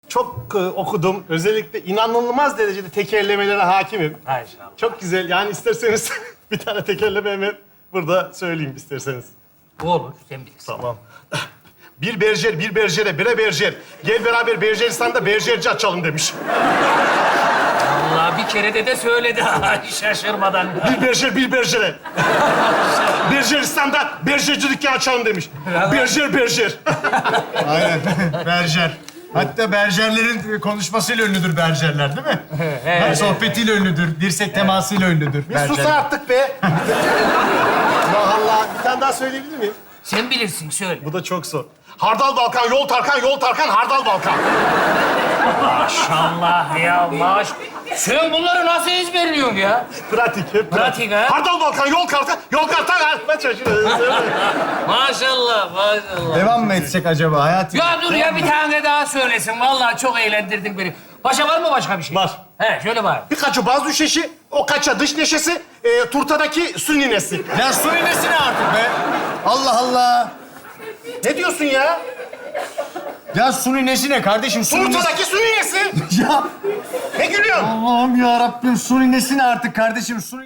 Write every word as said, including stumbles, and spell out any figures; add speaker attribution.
Speaker 1: çok e, okudum. Özellikle inanılmaz derecede tekerlemelere hakimim.
Speaker 2: Maşallah.
Speaker 1: Çok güzel. Yani isterseniz bir tane tekerleme hemen burada söyleyeyim isterseniz.
Speaker 2: Olur, sen bilirsin.
Speaker 1: Tamam. Bir berjer, bir berjere, bire berjer. Gel beraber Berjeristan'da berjerci açalım demiş.
Speaker 2: Allah bir kere de de söyledi ha, şaşırmadan.
Speaker 1: Bir berjer, bir berjere. Berjeristan'da berjerci dükkanı açalım demiş. Berjer, berjer.
Speaker 3: Aynen. Berjer. Hatta berjerlerin konuşmasıyla ünlüdür berjerler, değil mi? Her sohbetiyle ünlüdür, dirsek temasıyla ünlüdür.
Speaker 1: Bir sus artık be. Allah Allah. Bir tane daha söyleyebilir miyim?
Speaker 2: Sen bilirsin, söyle.
Speaker 1: Bu da çok zor. Hardal Balkan, yol Tarkan, yol Tarkan, Hardal Balkan.
Speaker 2: Maşallah ya, maş. Sen bunları nasıl ezberliyorsun ya?
Speaker 1: Pratik, hep
Speaker 2: Pratik ha?
Speaker 1: Hardal Balkan, yol Tarkan, yol Tarkan. Ben şaşırıyorum.
Speaker 2: Maşallah, maşallah.
Speaker 3: Devam mı etsek acaba hayatım?
Speaker 2: Ya dur ya, bir tane daha söylesin. Vallahi çok eğlendirdin beni. Başka var mı başka bir şey?
Speaker 1: Var.
Speaker 2: He, şöyle var.
Speaker 1: Bir kaçı baz düşeşi, o kaça dış neşesi, e, turtadaki su ninesi.
Speaker 3: Ya su iğnesi ne artık be? Allah Allah.
Speaker 1: Ne diyorsun ya?
Speaker 3: Ya su iğnesi ne kardeşim? Su iğnesi...
Speaker 1: Turtadaki su ninesi.
Speaker 3: Ya
Speaker 1: Ne gülüyorsun?
Speaker 3: Allah'ım ya Rabbim su iğnesi ne artık kardeşim? Su